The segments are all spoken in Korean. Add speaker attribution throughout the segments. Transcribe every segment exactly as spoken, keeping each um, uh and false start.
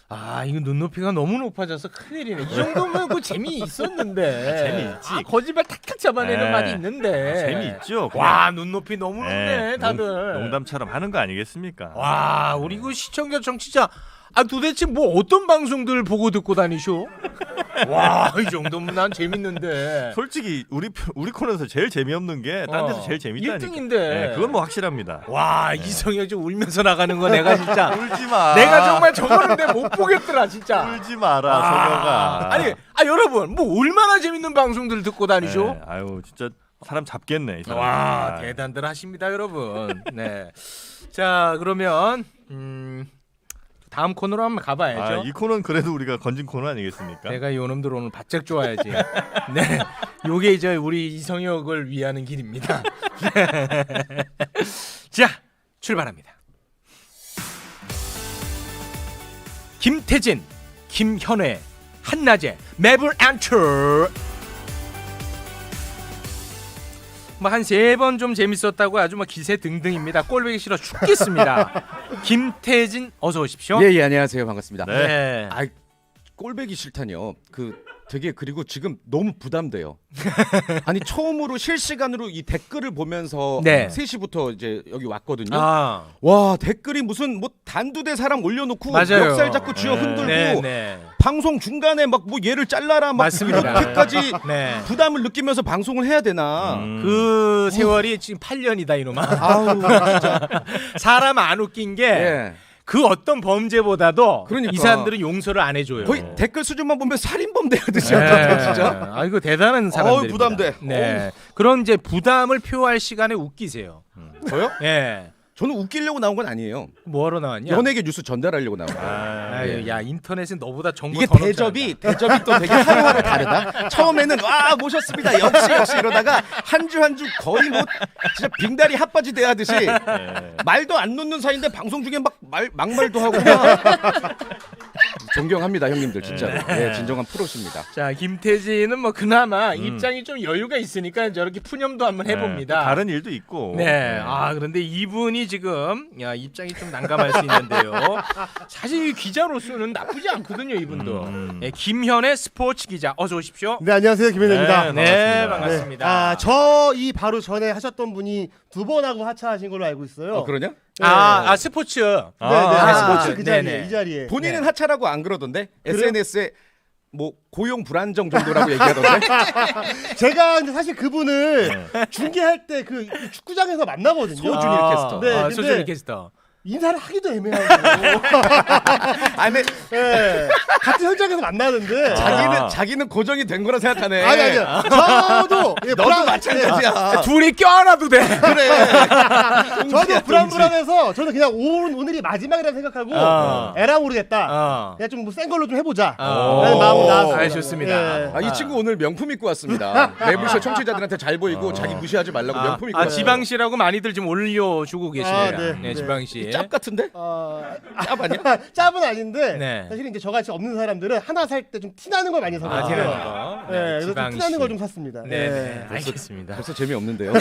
Speaker 1: 아 이거 눈높이가 너무 높아져서 큰일이네. 이 정도면 그 재미 있었는데.
Speaker 2: 재미있지.
Speaker 1: 아, 거짓말 탁탁 잡아내는
Speaker 2: 네.
Speaker 1: 맛이 있는데.
Speaker 2: 재미있죠.
Speaker 1: 와 눈높이 너무 높네
Speaker 2: 네,
Speaker 1: 다들.
Speaker 2: 농, 농담처럼 하는 거 아니겠습니까?
Speaker 1: 와 우리 그 시청자 정치자 아 도대체 뭐 어떤 방송들 보고 듣고 다니쇼? 와 이 정도면 난 재밌는데.
Speaker 2: 솔직히 우리 우리 코너에서 제일 재미없는 게 딴 데서
Speaker 1: 어,
Speaker 2: 제일 재밌다니까.
Speaker 1: 일 등인데.
Speaker 2: 네, 그건 뭐 확실합니다.
Speaker 1: 와 이성혁 좀 울면서 나가는 거 내가 진짜.
Speaker 2: 울지 마.
Speaker 1: 내가 정말 저거는 내 못 보겠더라 진짜.
Speaker 2: 울지 마라 소녀가.
Speaker 1: 아니 아 여러분 뭐 얼마나 재밌는 방송들 듣고 다니쇼?
Speaker 2: 네, 아유 진짜 사람 잡겠네. 이 사람.
Speaker 1: 와
Speaker 2: 아,
Speaker 1: 대단들 하십니다 여러분. 네. 자 그러면 음, 다음 코너로 한번 가봐야죠.
Speaker 2: 아, 이 코너는 그래도 우리가 건진 코너 아니겠습니까?
Speaker 1: 내가 요놈들 오늘 바짝 좋아야지. 네, 요게 이제 우리 이성혁을 위하는 길입니다. 자, 출발합니다. 김태진, 김현애, 한낮에 매블 엔터. 뭐 한 세 번 좀 재밌었다고 아주 뭐 기세 등등입니다. 꼴보기 싫어 죽겠습니다. 김태진 어서 오십시오.
Speaker 3: 예, 예, 안녕하세요. 반갑습니다.
Speaker 2: 네.
Speaker 1: 네.
Speaker 3: 아, 꼴배기 싫다니요. 그 되게 그리고 지금 너무 부담돼요. 아니 처음으로 실시간으로 이 댓글을 보면서
Speaker 1: 네.
Speaker 3: 세 시부터 이제 여기 왔거든요.
Speaker 1: 아,
Speaker 3: 와 댓글이 무슨 뭐 단두대 사람 올려놓고
Speaker 1: 맞아요.
Speaker 3: 멱살 잡고 쥐어
Speaker 2: 네.
Speaker 3: 흔들고
Speaker 1: 네, 네.
Speaker 3: 방송 중간에 막 뭐 얘를 잘라라 막
Speaker 1: 맞습니다.
Speaker 3: 이렇게까지
Speaker 1: 네.
Speaker 3: 부담을 느끼면서 방송을 해야 되나?
Speaker 2: 음.
Speaker 1: 그 세월이 지금 팔 년이다 이놈아.
Speaker 3: 아우 진짜.
Speaker 1: 사람 안 웃긴 게 그
Speaker 3: 예.
Speaker 1: 어떤 범죄보다도
Speaker 3: 그러니까.
Speaker 1: 이 사람들은 용서를 안 해줘요.
Speaker 3: 거의 댓글 수준만 보면 살인범 대하듯이
Speaker 1: 네.
Speaker 3: 하던데 진짜.
Speaker 1: 아 이거 대단한 사람들.
Speaker 3: 어우, 부담돼.
Speaker 1: 네. 그런 이제 부담을 표할 시간에 웃기세요.
Speaker 3: 저요?
Speaker 1: 예.
Speaker 3: 저는 웃기려고 나온 건 아니에요.
Speaker 1: 뭐하러 나왔냐?
Speaker 3: 연예계 뉴스 전달하려고 나온 거예요.
Speaker 2: 아,
Speaker 1: 아유, 야 인터넷은 너보다 정보
Speaker 3: 이게
Speaker 1: 더 넘쳐난다.
Speaker 3: 대접이 대접이 또 되게 하루하루 다르다. 처음에는 와 모셨습니다. 역시 역시 이러다가 한 주 한 주 거의 뭐 진짜 빙다리 핫바지 대하듯이
Speaker 2: 네.
Speaker 3: 말도 안 놓는 사이인데 방송 중에 막 말 막말도 하고 막 존경합니다 형님들 진짜로. 네, 진정한 프로십니다.
Speaker 1: 자 김태진은 뭐 그나마
Speaker 2: 음.
Speaker 1: 입장이 좀 여유가 있으니까 저렇게 푸념도 한번
Speaker 2: 네,
Speaker 1: 해봅니다.
Speaker 2: 또 다른 일도 있고.
Speaker 1: 네. 아 그런데 이분이 지금 야 입장이 좀 난감할 수 있는데요. 사실 기자로서는 나쁘지 않거든요 이분도.
Speaker 2: 음.
Speaker 1: 네, 김현의 스포츠 기자 어서 오십시오.
Speaker 4: 네 안녕하세요 김현입니다.
Speaker 2: 네,
Speaker 1: 네,
Speaker 2: 반갑습니다.
Speaker 1: 반갑습니다.
Speaker 4: 아저 이 바로 전에 하셨던 분이 두 번 하고 하차하신 걸로 알고 있어요.
Speaker 3: 어 그러냐?
Speaker 4: 네.
Speaker 1: 아, 아 스포츠.
Speaker 4: 네네
Speaker 2: 아,
Speaker 4: 아,
Speaker 1: 스포츠.
Speaker 4: 스포츠 그 자리에
Speaker 1: 네네.
Speaker 4: 이 자리에.
Speaker 3: 본인은
Speaker 1: 네.
Speaker 3: 하차라고 안 그러던데
Speaker 4: 그래요?
Speaker 3: 에스엔에스에 뭐 고용 불안정 정도라고 얘기하던데.
Speaker 4: 제가 근데 사실 그분을 중계할 때 그 축구장에서 만나거든요.
Speaker 3: 소준일
Speaker 1: 아,
Speaker 3: 캐스터.
Speaker 4: 네,
Speaker 1: 아,
Speaker 4: 근데-
Speaker 1: 소준일 캐스터.
Speaker 4: 인사를 하기도 애매하고.
Speaker 3: 아니
Speaker 4: 네. 같은 현장에서 만나는데.
Speaker 3: 자기는
Speaker 2: 아.
Speaker 3: 자기는 고정이 된 거라 생각하네.
Speaker 4: 아니 아니 저도 예,
Speaker 3: 너도
Speaker 4: 불안-
Speaker 3: 마찬가지야.
Speaker 1: 둘이 껴안아도 돼.
Speaker 4: 네. 저도
Speaker 3: 동지야,
Speaker 4: 불안불안해서 저는 그냥 오늘 오늘이 마지막이라 생각하고
Speaker 1: 어.
Speaker 4: 에라 모르겠다.
Speaker 1: 어.
Speaker 4: 그냥 좀 뭐 센 걸로 좀 해보자.
Speaker 1: 어.
Speaker 4: 라는 마음으로 나왔습니다.
Speaker 1: 아, 좋습니다.
Speaker 4: 예.
Speaker 3: 아, 이 친구 오늘 명품 입고 왔습니다. 매불쇼 청취자들한테 잘 보이고 자기 무시하지 말라고
Speaker 1: 아,
Speaker 3: 명품 입고
Speaker 1: 아
Speaker 3: 왔어요.
Speaker 1: 지방시라고 많이들 지금 올려주고 계십니다.
Speaker 4: 아,
Speaker 1: 네,
Speaker 4: 네, 네.
Speaker 1: 지방시.
Speaker 3: 짭 같은데?
Speaker 4: 어,
Speaker 3: 짭 아니야?
Speaker 4: 짭은 아닌데
Speaker 1: 네.
Speaker 4: 사실 이제 저같이 없는 사람들은 하나 살 때 좀 티나는 걸 많이
Speaker 1: 아,
Speaker 4: 사거든요.
Speaker 1: 티나는 거.
Speaker 4: 네, 그래서 좀
Speaker 1: 지방시.
Speaker 4: 티나는 걸 좀 샀습니다.
Speaker 1: 네, 네.
Speaker 4: 네.
Speaker 1: 알겠습니다.
Speaker 3: 벌써 재미없는데요.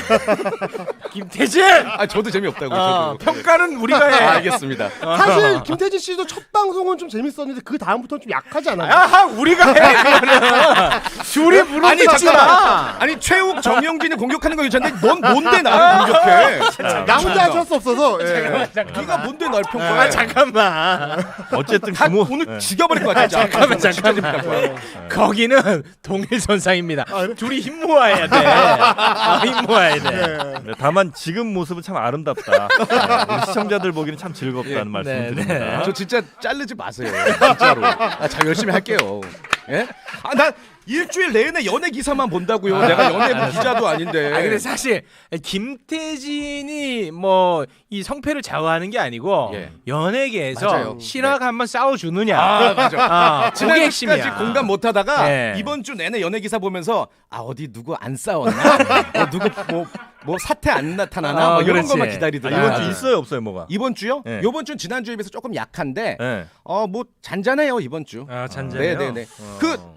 Speaker 1: 김태진.
Speaker 3: 아 저도 재미없다고
Speaker 1: 어,
Speaker 3: 저도.
Speaker 1: 평가는 우리가 해.
Speaker 3: 아, 알겠습니다.
Speaker 4: 사실 김태진 씨도 첫 방송은 좀 재밌었는데 그 다음부터는 좀 약하지 않았나요?
Speaker 1: 아하 우리가 해. 그거는. 둘이 무릎
Speaker 3: 아니
Speaker 1: 꿇지
Speaker 3: 잠깐만.
Speaker 1: 마.
Speaker 3: 아니 최욱 정영진을 공격하는 건 괜찮은데 넌 뭔데 나를 공격해?
Speaker 4: 나 혼자 하실 수 없어서. 예.
Speaker 3: 네가 뭔데 날 평가해?
Speaker 1: 아 잠깐만.
Speaker 2: 어쨌든
Speaker 3: 다
Speaker 2: 규모
Speaker 3: 오늘
Speaker 2: 네.
Speaker 3: 죽여버릴 것 같아.
Speaker 1: 잠깐만,
Speaker 3: 진짜
Speaker 1: 잠깐만.
Speaker 3: 재밌다. 거야.
Speaker 1: 거기는 동일선상입니다.
Speaker 4: 아, 그래?
Speaker 1: 둘이 힘 모아야 돼. 아, 힘 모아야 돼.
Speaker 4: 예.
Speaker 2: 네, 다만 지금 모습은 참 아름답다. 네, 우리 시청자들 보기는 참 즐겁다는
Speaker 3: 예,
Speaker 2: 말씀을
Speaker 1: 네,
Speaker 2: 드립니다.
Speaker 3: 저 진짜 자르지 마세요. 진짜로. 아, 잘 열심히 할게요. 예? 아, 나 일주일 내내 연예 기사만 본다고요. 내가 연예부 기자도 아닌데.
Speaker 1: 아 근데 사실 김태진이 뭐 이 성패를 좌우하는 게 아니고
Speaker 3: 예.
Speaker 1: 연예계에서
Speaker 3: 맞아요.
Speaker 1: 실화가 한번 싸워주느냐.
Speaker 3: 아, 맞아.
Speaker 1: 아, 그게
Speaker 3: 지난주까지
Speaker 1: 핵심이야.
Speaker 3: 공감 못하다가
Speaker 1: 네.
Speaker 3: 이번 주 내내 연예 기사 보면서 아 어디 누구 안 싸웠나? 어, 누구 뭐, 뭐 사태 안 나타나나?
Speaker 1: 아,
Speaker 3: 뭐 이런
Speaker 1: 그렇지.
Speaker 3: 것만
Speaker 2: 아,
Speaker 3: 기다리더라.
Speaker 2: 이번 주
Speaker 1: 아.
Speaker 2: 있어요 없어요 뭐가?
Speaker 3: 이번 주요?
Speaker 2: 네.
Speaker 3: 이번 주는 지난주에 비해서 조금 약한데
Speaker 2: 네.
Speaker 3: 어 뭐 잔잔해요 이번 주.
Speaker 1: 아 잔재요.
Speaker 3: 네네네. 그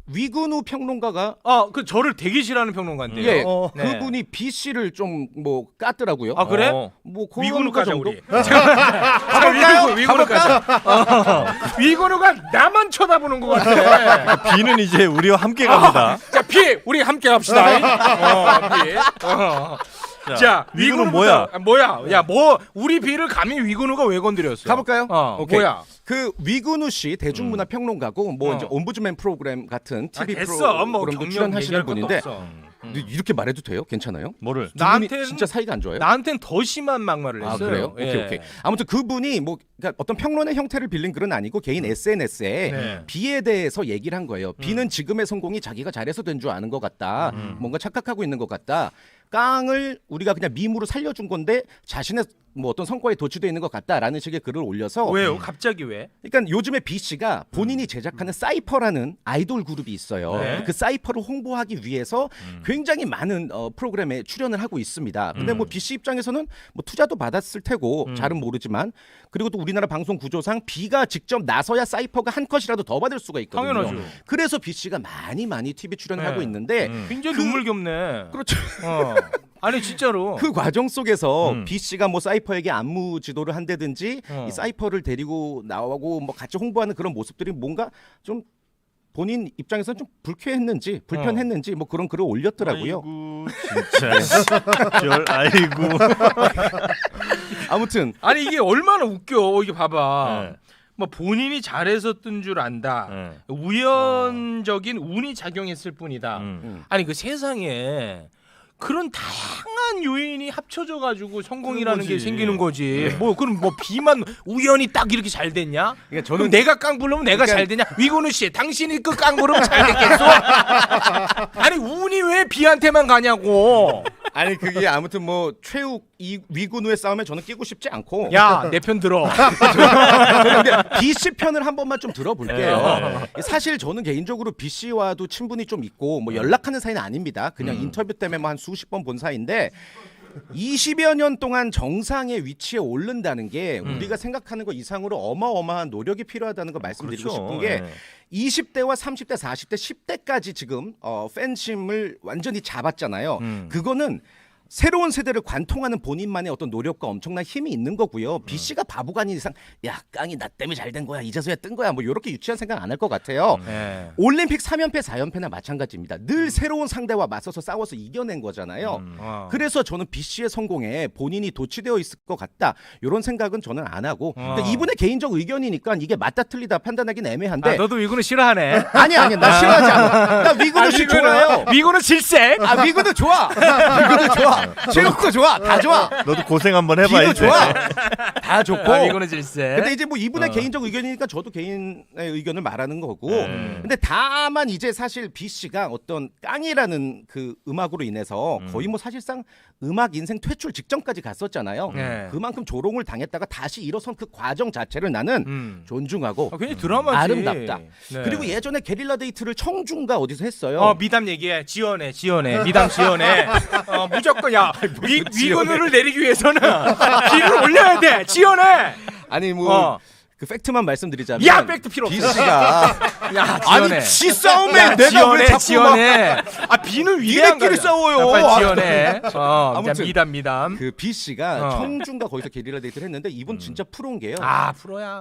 Speaker 3: 위근우 평론가가
Speaker 1: 아그 저를 되게 싫어하는 평론가인데요.
Speaker 3: 예,
Speaker 4: 어.
Speaker 1: 네.
Speaker 3: 그분이 B 씨를 좀 뭐 깠더라고요.
Speaker 1: 아 그래?
Speaker 2: 어.
Speaker 3: 뭐
Speaker 1: 위근우
Speaker 3: 그런 거
Speaker 1: 까자
Speaker 3: 정도?
Speaker 1: 우리. 가볼까요? 위근우 까자. 어. 위근우가 나만 쳐다보는 것 같아.
Speaker 2: 비는 이제 우리와 함께 갑니다.
Speaker 1: 자, 피 우리 함께 갑시다. 어, 피. 어. 자,
Speaker 2: 위근우
Speaker 1: 위근우부터-
Speaker 2: 뭐야?
Speaker 1: 아, 뭐야? 야, 뭐 우리 비를 감히 위근우가 왜 건드렸어?
Speaker 3: 가볼까요?
Speaker 1: 어,
Speaker 3: 오케이.
Speaker 1: 뭐야?
Speaker 3: 그 위근우 씨 대중문화 평론가고 뭐
Speaker 1: 어.
Speaker 3: 이제 ombudsman 프로그램 같은
Speaker 1: 아,
Speaker 3: 티비
Speaker 1: 됐어. 뭐
Speaker 3: 프로그램도
Speaker 1: 경력
Speaker 3: 출연하시는
Speaker 1: 얘기할 것도
Speaker 3: 분인데
Speaker 1: 없어.
Speaker 3: 근데 이렇게 말해도 돼요? 괜찮아요?
Speaker 2: 뭐를?
Speaker 3: 두 분이
Speaker 1: 나한테는-
Speaker 3: 진짜 사이가 안 좋아요?
Speaker 1: 나한텐 더 심한 막말을
Speaker 3: 아
Speaker 1: 했어요.
Speaker 3: 그래요?
Speaker 1: 예.
Speaker 3: 오케이 오케이. 아무튼 그분이 뭐 그러니까 어떤 평론의 형태를 빌린 글은 아니고 개인 에스엔에스에
Speaker 1: 네.
Speaker 3: B에 대해서 얘기를 한 거예요. B는 지금의 성공이 자기가 잘해서 된 줄 아는 것 같다. 뭔가 착각하고 있는 것 같다. 깡을 우리가 그냥 밈으로 살려준 건데 자신의 뭐 어떤 성과에 도취되어 있는 것 같다라는 식의 글을 올려서
Speaker 1: 왜요? 갑자기 왜?
Speaker 3: 그러니까 요즘에 B 씨가 본인이 제작하는 사이퍼라는 아이돌 그룹이 있어요.
Speaker 1: 네.
Speaker 3: 그 사이퍼를 홍보하기 위해서 굉장히 많은 어, 프로그램에 출연을 하고 있습니다. 근데 뭐 B 씨 입장에서는 뭐 투자도 받았을 테고 잘은 모르지만 그리고 또 우리나라 방송 구조상 B가 직접 나서야 사이퍼가 한 컷이라도 더 받을 수가 있거든요.
Speaker 1: 당연하죠.
Speaker 3: 그래서 B 씨가 많이 많이 티비 출연을
Speaker 1: 네.
Speaker 3: 하고 있는데
Speaker 1: 굉장히
Speaker 3: 그-
Speaker 1: 눈물겹네.
Speaker 3: 그렇죠.
Speaker 1: 어. 아니 진짜로.
Speaker 3: 그 과정 속에서
Speaker 2: 음.
Speaker 3: B 씨가 뭐 사이퍼에게 안무 지도를 한다든지
Speaker 1: 어.
Speaker 3: 이 사이퍼를 데리고 나오고 뭐 같이 홍보하는 그런 모습들이 뭔가 좀 본인 입장에서는 좀 불쾌했는지 불편했는지 뭐 그런 글을 올렸더라고요.
Speaker 2: 아이고 진짜. 절 아이고.
Speaker 3: 아무튼
Speaker 1: 아니 이게 얼마나 웃겨. 이게 봐봐.
Speaker 2: 네.
Speaker 1: 뭐 본인이 잘해서 뜬 줄 안다.
Speaker 2: 네.
Speaker 1: 우연적인 운이 작용했을 뿐이다.
Speaker 2: 음.
Speaker 1: 아니 그 세상에 그런 다양한 요인이 합쳐져 가지고 성공이라는 게
Speaker 2: 거지.
Speaker 1: 생기는 거지. 뭐 그럼 뭐 비만 우연히 딱 이렇게 잘 됐냐?
Speaker 3: 그러니까
Speaker 1: 그럼
Speaker 3: 저는
Speaker 1: 내가 깡 부르면 내가
Speaker 3: 그러니까-
Speaker 1: 잘 되냐? 위건우 씨, 당신이 그 깡 부르면 잘 됐겠어? 아니 운이 왜 비한테만 가냐고?
Speaker 3: 아니 그게 아무튼 뭐 최욱 이 위근우의 싸움에 저는 끼고 싶지 않고
Speaker 1: 야, 내 편 들어.
Speaker 3: 저는 근데 B 씨 편을 한 번만 좀 들어볼게요.
Speaker 2: 네.
Speaker 3: 사실 저는 개인적으로 B 씨와도 친분이 좀 있고 뭐 연락하는 사이는 아닙니다. 그냥
Speaker 1: 음.
Speaker 3: 인터뷰 때문에 뭐 한 수십 번 본 사이인데 이십여 년 동안 정상의 위치에 오른다는 게
Speaker 1: 음.
Speaker 3: 우리가 생각하는 것 이상으로 어마어마한 노력이 필요하다는 걸 말씀드리고
Speaker 2: 그렇죠.
Speaker 3: 싶은 게
Speaker 2: 네.
Speaker 3: 이십 대와 삼십 대, 사십 대, 십 대까지 지금 어, 팬심을 완전히 잡았잖아요.
Speaker 2: 음.
Speaker 3: 그거는 새로운 세대를 관통하는 본인만의 어떤 노력과 엄청난 힘이 있는 거고요. B 씨가 바보가 아닌 이상 야 깡이 나 때문에 잘 된 거야 이제서야 뜬 거야 뭐 이렇게 유치한 생각 안 할 것 같아요.
Speaker 1: 네.
Speaker 3: 올림픽 삼 연패 사 연패나 마찬가지입니다. 늘 새로운 상대와 맞서서 싸워서 이겨낸 거잖아요.
Speaker 2: 음.
Speaker 1: 어.
Speaker 3: 그래서 저는 B 씨의 성공에 본인이 도취되어 있을 것 같다. 이런 생각은 저는 안 하고
Speaker 1: 어.
Speaker 3: 그러니까 이분의 개인적 의견이니까 이게 맞다 틀리다 판단하기는 애매한데
Speaker 1: 아, 너도 위건우 싫어하네.
Speaker 3: 아니 아니 나 싫어하지 않아. 나 위근우 씨 좋아해요.
Speaker 1: 위건우 질색.
Speaker 3: 아 위근우 좋아. 위근우 좋아. 체육도 좋아. 다 좋아.
Speaker 2: 너도 고생 한번 해봐
Speaker 3: 비도
Speaker 2: 이제.
Speaker 3: 좋아. 다 좋고.
Speaker 1: 아, 위건우 질색.
Speaker 3: 근데 이제 뭐 이분의
Speaker 1: 어.
Speaker 3: 개인적 의견이니까 저도 개인의 의견을 말하는 거고.
Speaker 2: 음.
Speaker 3: 근데 다만 이제 사실 B 씨가 어떤 깡이라는 그 음악으로 인해서 거의 뭐 사실상 음악 인생 퇴출 직전까지 갔었잖아요.
Speaker 1: 네.
Speaker 3: 그만큼 조롱을 당했다가 다시 일어선 그 과정 자체를 나는
Speaker 1: 음.
Speaker 3: 존중하고
Speaker 1: 아, 굉장히 드라마지.
Speaker 3: 아름답다.
Speaker 1: 네.
Speaker 3: 그리고 예전에 게릴라 데이트를 청중가 어디서 했어요.
Speaker 1: 어 미담 얘기해. 지원해, 지원해. 미담 지원해. 어 무조건 야 위, 위건우를 내리기 위해서는 비를 올려야 돼. 지원해.
Speaker 3: 아니 뭐.
Speaker 1: 어.
Speaker 3: 그 팩트만 말씀드리자면
Speaker 1: 야 팩트 필요
Speaker 3: B
Speaker 1: 없어.
Speaker 3: 씨가
Speaker 1: 야 지원해.
Speaker 3: 아니 지 싸움에
Speaker 1: 야,
Speaker 3: 내가
Speaker 1: 지원해,
Speaker 3: 왜 자꾸 막
Speaker 1: 지원해. 아 비는 위대한
Speaker 3: 니네끼리
Speaker 1: 거야.
Speaker 3: 싸워요.
Speaker 1: 아, 빨리 지원해. 어,
Speaker 3: 아무튼
Speaker 1: 아무튼 미담 미담.
Speaker 3: 그 B 씨가
Speaker 1: 어.
Speaker 3: 청중과 거기서 게릴라 데이트를 했는데 이분 진짜 프로인 게요.
Speaker 1: 아 프로야.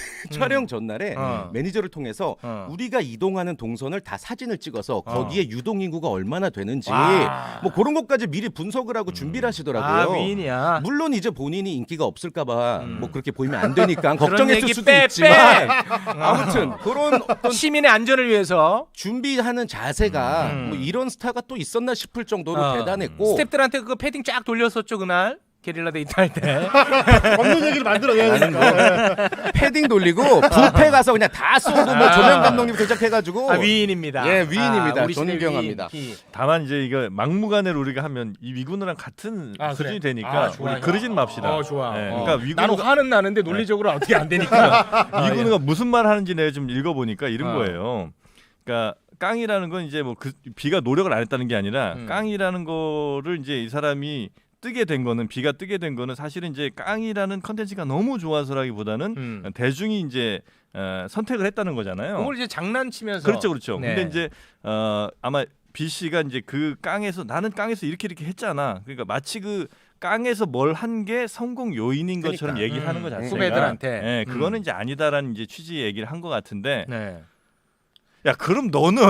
Speaker 3: 촬영 전날에
Speaker 1: 어.
Speaker 3: 매니저를 통해서
Speaker 1: 어.
Speaker 3: 우리가 이동하는 동선을 다 사진을 찍어서
Speaker 1: 어.
Speaker 3: 거기에 유동 인구가 얼마나 되는지
Speaker 1: 와.
Speaker 3: 뭐 그런 것까지 미리 분석을 하고 준비를 하시더라고요.
Speaker 1: 아 위인이야.
Speaker 3: 물론 이제 본인이 인기가 없을까봐
Speaker 1: 음.
Speaker 3: 뭐 그렇게 보이면 안 되니까
Speaker 1: 그런
Speaker 3: 걱정했을
Speaker 1: 얘기
Speaker 3: 수도
Speaker 1: 빼,
Speaker 3: 있지만
Speaker 1: 빼.
Speaker 3: 아무튼 그런 어떤
Speaker 1: 시민의 안전을 위해서
Speaker 3: 준비하는 자세가
Speaker 1: 음.
Speaker 3: 뭐 이런 스타가 또 있었나 싶을 정도로
Speaker 1: 어.
Speaker 3: 대단했고
Speaker 1: 스태프들한테 그 패딩 쫙 돌렸었죠 그날 게릴라 데이트 할 때.
Speaker 4: 없는 얘기를 만들어내야 되니까.
Speaker 3: 패딩 돌리고 뷔페 가서 그냥 다 쏘고 뭐 조명 감독님 도착해가지고
Speaker 1: 아 위인입니다.
Speaker 3: 예, 위인입니다.
Speaker 1: 아, 우리 시대
Speaker 3: 존경합니다.
Speaker 1: 위인.
Speaker 2: 다만 이제 이거 막무가내로 우리가 하면 이 위군우랑 같은
Speaker 1: 아,
Speaker 2: 수준이
Speaker 1: 그래?
Speaker 2: 되니까
Speaker 1: 아, 좋아요.
Speaker 2: 우리 그러진 맙시다.
Speaker 1: 어 좋아.
Speaker 2: 네,
Speaker 1: 어.
Speaker 2: 그러니까
Speaker 1: 나는
Speaker 2: 위군우가
Speaker 1: 화는 나는데 논리적으로 어떻게 안 되니까. 아,
Speaker 2: 위군우가 무슨 말 하는지 내가 좀 읽어보니까 이런
Speaker 1: 어.
Speaker 2: 거예요. 그러니까 깡이라는 건 이제 뭐 그 비가 노력을 안 했다는 게 아니라
Speaker 1: 음.
Speaker 2: 깡이라는 거를 이제 이 사람이 뜨게 된 거는 비가 뜨게 된 거는 사실은 이제 깡이라는 컨텐츠가 너무 좋아서라기보다는
Speaker 1: 음.
Speaker 2: 대중이 이제 어, 선택을 했다는 거잖아요.
Speaker 1: 그걸 이제 장난치면서
Speaker 2: 그렇죠, 그렇죠.
Speaker 1: 네.
Speaker 2: 근데 이제 어, 아마 B 씨가 이제 그 깡에서 나는 깡에서 이렇게 이렇게 했잖아. 그러니까 마치 그 깡에서 뭘 한 게 성공 요인인
Speaker 4: 그러니까.
Speaker 2: 것처럼 얘기를 하는 거
Speaker 1: 음,
Speaker 2: 자체가
Speaker 1: 후배들한테.
Speaker 2: 예, 그거는
Speaker 1: 음.
Speaker 2: 이제 아니다라는 이제 취지의 얘기를 한 것 같은데.
Speaker 1: 네.
Speaker 2: 야, 그럼 너는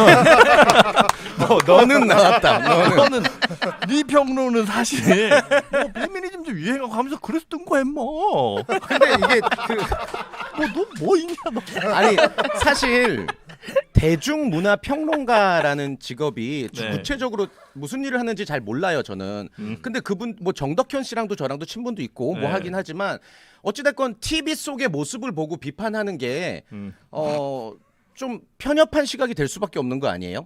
Speaker 3: 너, 너는 나왔다. 너는.
Speaker 2: 너는 네 평론은 사실 뭐 페미니즘 좀 유행하고 하면서 그랬던 거야, 뭐.
Speaker 3: 근데 이게 그
Speaker 2: 뭐너뭐 있냐, 너.
Speaker 3: 아니 사실 대중문화 평론가라는 직업이
Speaker 2: 네.
Speaker 3: 구체적으로 무슨 일을 하는지 잘 몰라요 저는.
Speaker 2: 음.
Speaker 3: 근데 그분 뭐 정덕현 씨랑도 저랑도 친분도 있고 뭐
Speaker 2: 네.
Speaker 3: 하긴 하지만 어찌됐건 티비 속의 모습을 보고 비판하는 게
Speaker 2: 음.
Speaker 3: 어. 좀 편협한 시각이 될 수밖에 없는 거 아니에요?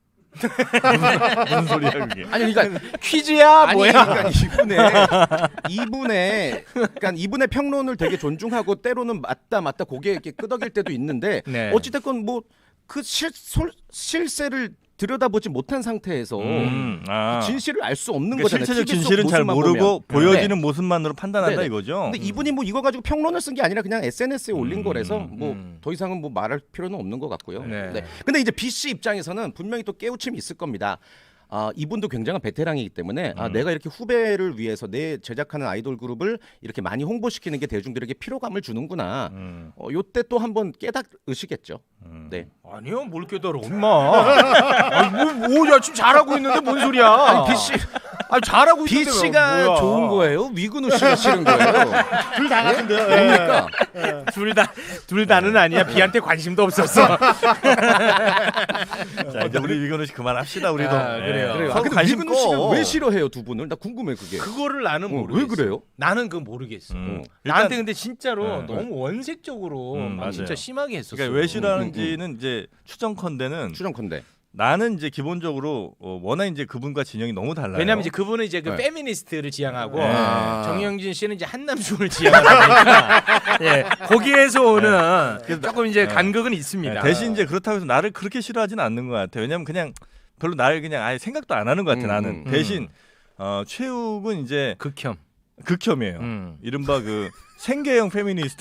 Speaker 2: 무슨 소리야 그게?
Speaker 3: 아니 그러니까
Speaker 1: 퀴즈야
Speaker 3: 아니
Speaker 1: 뭐야?
Speaker 3: 그러니까 이분의 이분의 그러니까 이분의 평론을 되게 존중하고 때로는 맞다 맞다 고개 이렇게 끄덕일 때도 있는데
Speaker 1: 네.
Speaker 3: 어찌됐건 뭐 그 실세를 들여다보지 못한 상태에서
Speaker 2: 음, 아.
Speaker 3: 진실을 알 수 없는
Speaker 2: 그러니까
Speaker 3: 거잖아요.
Speaker 2: 실체적
Speaker 3: 티비 속
Speaker 2: 진실은 잘
Speaker 3: 모습만
Speaker 2: 모르고
Speaker 3: 보면.
Speaker 2: 보여지는
Speaker 3: 네.
Speaker 2: 모습만으로 판단한다
Speaker 3: 네네.
Speaker 2: 이거죠.
Speaker 3: 근데 이분이 뭐 이거 가지고 평론을 쓴 게 아니라 그냥 에스엔에스에 올린
Speaker 2: 음,
Speaker 3: 거라서
Speaker 2: 음,
Speaker 3: 뭐
Speaker 1: 음.
Speaker 3: 더 이상은 뭐 말할 필요는 없는 것 같고요.
Speaker 1: 네.
Speaker 3: 네. 근데 이제 B 씨 입장에서는 분명히 또 깨우침이 있을 겁니다. 아, 이분도 굉장한 베테랑이기 때문에 아,
Speaker 2: 음.
Speaker 3: 내가 이렇게 후배를 위해서 내 제작하는 아이돌 그룹을 이렇게 많이 홍보시키는 게 대중들에게 피로감을 주는구나.
Speaker 2: 음,
Speaker 3: 어, 요때 또 한번 깨닫으시겠죠.
Speaker 2: 음.
Speaker 3: 네.
Speaker 1: 아니요, 뭘 깨달아, 엄마. 뭐야, 지금 잘하고 있는데 뭔 소리야?
Speaker 3: 아니, B 씨,
Speaker 1: 아니 잘하고
Speaker 3: B
Speaker 1: 있는데
Speaker 3: 씨가
Speaker 1: 뭐야.
Speaker 3: 좋은 거예요? 위근우 씨가 싫은 거예요?
Speaker 4: 둘 다 같은데요. 예.
Speaker 3: 뭡니까?
Speaker 1: 둘 다, 둘 다는 아니야. B한테 관심도 없었어.
Speaker 2: 자 이제 우리 위건우 씨 그만합시다 우리도.
Speaker 1: 아, 그래요.
Speaker 3: 그래요. 아,
Speaker 2: 서로
Speaker 3: 근데
Speaker 2: 관심
Speaker 3: 위근우 씨가
Speaker 2: 꺼.
Speaker 3: 왜 싫어해요 두 분을? 나 궁금해 그게.
Speaker 1: 그거를 나는
Speaker 3: 어,
Speaker 1: 모르겠어.
Speaker 3: 왜 그래요?
Speaker 1: 나는 그거 모르겠어.
Speaker 2: 음.
Speaker 1: 나한테
Speaker 2: 일단
Speaker 1: 근데 진짜로
Speaker 2: 네.
Speaker 1: 너무 원색적으로
Speaker 2: 음,
Speaker 1: 막
Speaker 2: 맞아요.
Speaker 1: 진짜 심하게 했었어.
Speaker 2: 그러니까 왜 싫어하는지는 이제 추정컨대는
Speaker 3: 추정컨대.
Speaker 2: 나는 이제 기본적으로 어, 워낙 이제 그분과 진영이 너무 달라요.
Speaker 1: 왜냐면 이제 그분은 이제 그
Speaker 3: 네.
Speaker 1: 페미니스트를 지향하고
Speaker 2: 네.
Speaker 1: 정영진 씨는 이제 한남충을 지향하니까 예, 거기에서 오는 조금 이제
Speaker 2: 네.
Speaker 1: 간극은 있습니다.
Speaker 2: 네, 대신 이제 그렇다고 해서 나를 그렇게 싫어하지는 않는 것 같아. 왜냐면 그냥 별로 나를 그냥 아예 생각도 안 하는 것 같아.
Speaker 3: 음,
Speaker 2: 나는
Speaker 1: 음.
Speaker 2: 대신 어, 최욱은 이제
Speaker 1: 극혐.
Speaker 2: 극혐이에요.
Speaker 1: 음.
Speaker 2: 이른바 그 생계형 페미니스트.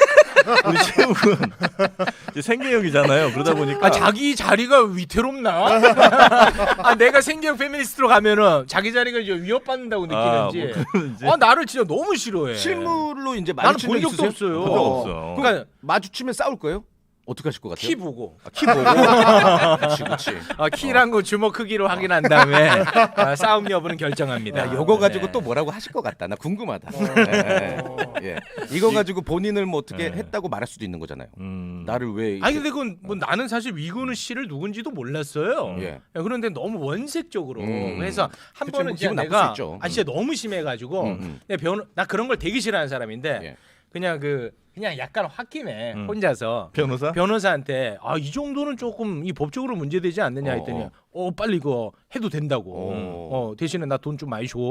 Speaker 2: 우리 최욱은 이제 생계형이잖아요. 그러다 보니까
Speaker 1: 아 자기 자리가 위태롭나? 아 내가 생계형 페미니스트로 가면은 자기 자리가 이제 위협받는다고
Speaker 2: 아,
Speaker 1: 느끼는지.
Speaker 2: 뭐 그런지.
Speaker 1: 아 나를 진짜 너무 싫어해.
Speaker 3: 실물로 이제
Speaker 1: 나는
Speaker 3: 마주친
Speaker 1: 본
Speaker 3: 적
Speaker 1: 적도
Speaker 3: 있으세요?
Speaker 1: 없어요.
Speaker 2: 본 적 없어.
Speaker 1: 그러니까
Speaker 3: 마주치면 싸울 거예요? 어떻게 하실 것 같아요?
Speaker 1: 키 보고.
Speaker 3: 아, 키 보고. 그렇지, 그렇지.
Speaker 1: 아, 키랑 거 주먹 크기로 확인한 다음에 아, 싸움 여부는 결정합니다.
Speaker 3: 야, 요거 가지고
Speaker 1: 네.
Speaker 3: 또 뭐라고 하실 것 같다. 나 궁금하다. 네. 예. 이거 가지고 본인을 뭐 어떻게
Speaker 2: 네.
Speaker 3: 했다고 말할 수도 있는 거잖아요.
Speaker 2: 음.
Speaker 3: 나를 왜? 이렇게-
Speaker 1: 아니 근데 그건 뭐 나는 사실 위근우 씨를 누군지도 몰랐어요.
Speaker 3: 예.
Speaker 1: 야, 그런데 너무 원색적으로
Speaker 3: 음.
Speaker 1: 해서 한
Speaker 3: 그치,
Speaker 1: 번은
Speaker 3: 뭐
Speaker 1: 진짜
Speaker 3: 기분 나쁠
Speaker 1: 내가
Speaker 3: 수 있죠.
Speaker 1: 아 진짜 너무 심해가지고
Speaker 3: 음, 음.
Speaker 1: 내가 변, 나 그런 걸 되게 싫어하는 사람인데
Speaker 3: 예.
Speaker 1: 그냥 그 그냥 약간 홧김에
Speaker 2: 음.
Speaker 1: 혼자서
Speaker 2: 변호사?
Speaker 1: 변호사한테 아 이 정도는 조금 이 법적으로 문제되지 않느냐 했더니
Speaker 3: 어,
Speaker 1: 어, 빨리 이거 해도 된다고
Speaker 3: 어.
Speaker 1: 어, 대신에 나 돈 좀 많이 줘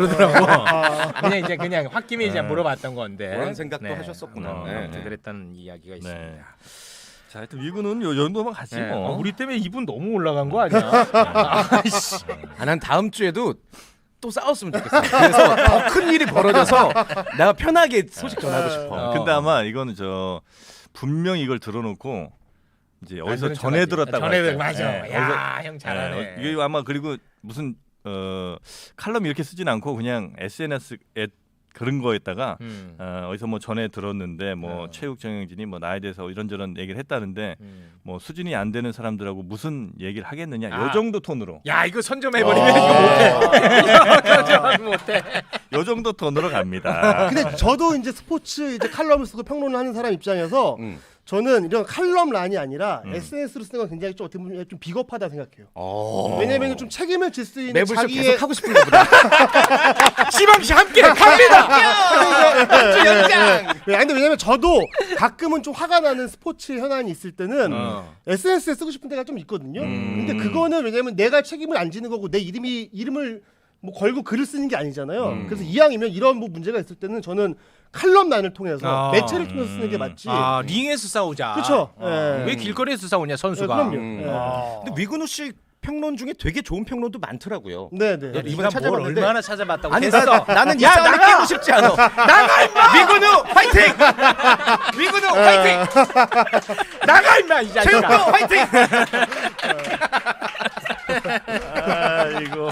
Speaker 1: 그러더라고. 그냥 이제 그냥 홧김에 이제
Speaker 2: 네.
Speaker 1: 물어봤던 건데
Speaker 3: 그런 생각도 하셨었구나.
Speaker 1: 어,
Speaker 3: 네,
Speaker 1: 아무튼
Speaker 3: 네.
Speaker 1: 그랬다는 이야기가 있습니다.
Speaker 2: 네. 자, 하여튼 위구는 요 정도만 가지
Speaker 1: 네.
Speaker 2: 뭐.
Speaker 1: 어, 우리 때문에 이분 너무 올라간 거 아니야? 아이씨.
Speaker 3: 아, 난 다음 주에도 또 싸웠으면 좋겠어. 그래서 더 큰 일이 벌어져서 내가 편하게 소식 전하고 싶어.
Speaker 1: 어.
Speaker 2: 근데 아마 이거는 저 분명 이걸 들어놓고 이제 어디서
Speaker 1: 안
Speaker 2: 전해
Speaker 1: 들은
Speaker 2: 들었다고
Speaker 1: 전해
Speaker 2: 할
Speaker 1: 들
Speaker 2: 거야.
Speaker 1: 맞아.
Speaker 2: 네,
Speaker 1: 야,
Speaker 2: 어디서-
Speaker 1: 형 잘하네.
Speaker 2: 네, 이게 아마 그리고 무슨 어, 칼럼 이렇게 쓰진 않고 그냥 에스엔에스에 그런 거에다가
Speaker 1: 음.
Speaker 2: 어, 어디서 뭐 전해 들었는데 뭐
Speaker 1: 어.
Speaker 2: 최욱 정영진이 뭐 나에 대해서 이런저런 얘기를 했다는데
Speaker 1: 음.
Speaker 2: 뭐 수준이 안 되는 사람들하고 무슨 얘기를 하겠느냐
Speaker 1: 아.
Speaker 2: 요 정도 톤으로
Speaker 1: 야 이거 선점해버리면
Speaker 4: 아.
Speaker 1: 이거 못해. 이거 선점 못해.
Speaker 2: 요 정도 톤으로 갑니다.
Speaker 4: 근데 저도 이제 스포츠 이제 칼럼을 쓰고 평론을 하는 사람 입장에서
Speaker 3: 음.
Speaker 4: 저는 이런 칼럼란이 아니라
Speaker 2: 음.
Speaker 4: 에스엔에스로 쓰는 건 굉장히 좀 어떻게 보면 좀 비겁하다 생각해요.
Speaker 3: 어.
Speaker 4: 왜냐면 좀 책임을 질 수 있는
Speaker 3: 매불쇼
Speaker 4: 자기의
Speaker 3: 계속 하고 싶은가 보다.
Speaker 1: 시범시 함께 갑니다.
Speaker 4: 네, 아니, 근데 왜냐면 저도 가끔은 좀 화가 나는 스포츠 현안이 있을 때는
Speaker 1: 어.
Speaker 4: 에스엔에스에 쓰고 싶은 때가 좀 있거든요.
Speaker 2: 음.
Speaker 4: 근데 그거는 왜냐면 내가 책임을 안 지는 거고 내 이름이 이름을 뭐 걸고 글을 쓰는 게 아니잖아요.
Speaker 2: 음.
Speaker 4: 그래서 이왕이면 이런 뭐 문제가 있을 때는 저는 칼럼란을 통해서
Speaker 1: 아.
Speaker 4: 매체를 통해서 쓰는 게 맞지.
Speaker 1: 아 링에서 싸우자.
Speaker 4: 그렇죠.
Speaker 1: 어.
Speaker 4: 예.
Speaker 1: 왜 길거리에서 싸우냐
Speaker 4: 네,
Speaker 1: 선수가.
Speaker 4: 그럼요.
Speaker 3: 음.
Speaker 4: 예.
Speaker 1: 아.
Speaker 3: 근데 위근우 씨 평론 중에 되게 좋은 평론도 많더라고요.
Speaker 4: 네, 네.
Speaker 3: 야, 이번에
Speaker 1: 네가 뭘
Speaker 3: 찾아봤는데
Speaker 1: 얼마나 찾아봤다고
Speaker 3: 아니
Speaker 1: 됐어.
Speaker 3: 나, 나는 이
Speaker 1: 야,
Speaker 3: 싸움에
Speaker 1: 나가!
Speaker 3: 끼고 싶지 않아.
Speaker 1: 나가 임마!
Speaker 3: 미군우 화이팅!
Speaker 1: 미군우 화이팅! 나가 임마 이
Speaker 3: 체육부
Speaker 1: 자식아.
Speaker 3: 화이팅!
Speaker 2: 아 이거.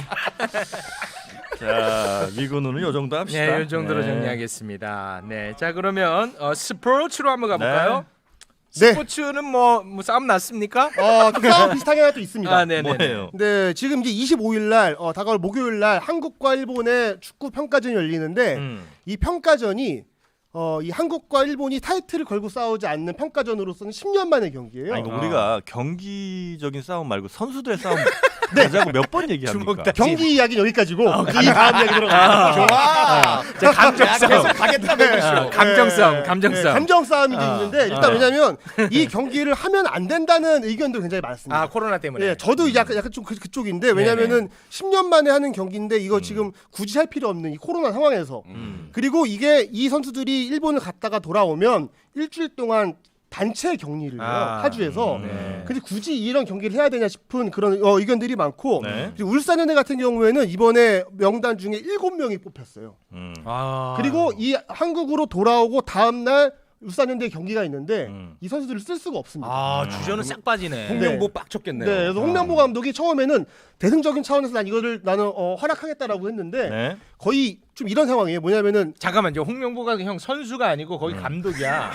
Speaker 2: 자 미군은 요 정도 합시다.
Speaker 1: 네, 이 정도로
Speaker 2: 네.
Speaker 1: 정리하겠습니다. 네, 자 그러면 어, 스포츠로 한번 가볼까요?
Speaker 4: 네.
Speaker 1: 스포츠는 뭐, 뭐 싸움 났습니까?
Speaker 4: 어, 또 싸움 비슷하게 하나 또 있습니다.
Speaker 1: 아, 네, 네.
Speaker 2: 뭐예요?
Speaker 4: 네, 지금 이제 이십오일 날 어, 다가올 목요일 날 한국과 일본의 축구 평가전이 열리는데
Speaker 1: 음.
Speaker 4: 이 평가전이 어, 이 한국과 일본이 타이틀을 걸고 싸우지 않는 평가전으로서는 십 년 만의 경기예요.
Speaker 2: 아니, 이거
Speaker 1: 아.
Speaker 2: 우리가 경기적인 싸움 말고 선수들의 싸움 하자고 몇 번 얘기합니까?
Speaker 1: 주먹다.
Speaker 4: 경기 이야기 여기까지고 이 다음 이야기 들어가.
Speaker 3: 좋아.
Speaker 1: 자, 감정
Speaker 3: 계속
Speaker 1: 싸움.
Speaker 3: 가겠다 매그쇼.
Speaker 1: 아, 감정 싸움,
Speaker 4: 네,
Speaker 1: 감정
Speaker 4: 네,
Speaker 1: 싸움.
Speaker 4: 감정 싸움이 이제
Speaker 1: 아.
Speaker 4: 있는데 일단
Speaker 1: 아.
Speaker 4: 왜냐면 이 경기를 하면 안 된다는 의견도 굉장히 많습니다.
Speaker 1: 아, 코로나 때문에.
Speaker 4: 예, 저도 약간 약간 좀 그, 그쪽인데 왜냐면은 십 년 만에 하는 경기인데 이거 지금 굳이 할 필요 없는 이 코로나 상황에서
Speaker 1: 음.
Speaker 4: 그리고 이게 이 선수들이 일본을 갔다가 돌아오면 일주일 동안 단체 격리를 해요
Speaker 1: 아.
Speaker 4: 파주에서.
Speaker 2: 네.
Speaker 4: 근데 굳이 이런 경기를 해야 되냐 싶은 그런 어, 의견들이 많고
Speaker 2: 네.
Speaker 4: 그리고 울산현대 같은 경우에는 이번에 명단 중에 일곱 명이 뽑혔어요.
Speaker 2: 음.
Speaker 1: 아.
Speaker 4: 그리고 이 한국으로 돌아오고 다음 날 울산현대 경기가 있는데
Speaker 2: 음.
Speaker 4: 이 선수들을 쓸 수가 없습니다.
Speaker 1: 아, 주전은 싹 빠지네.
Speaker 3: 홍명보 빡쳤겠네요.
Speaker 4: 네, 그래서 홍명보 감독이 처음에는 대승적인 차원에서 난 이거를 나는 어, 허락하겠다라고 했는데
Speaker 2: 네.
Speaker 4: 거의 좀 이런 상황이에요. 뭐냐면은
Speaker 1: 잠깐만요. 홍명보가 형 선수가 아니고 거기 감독이야.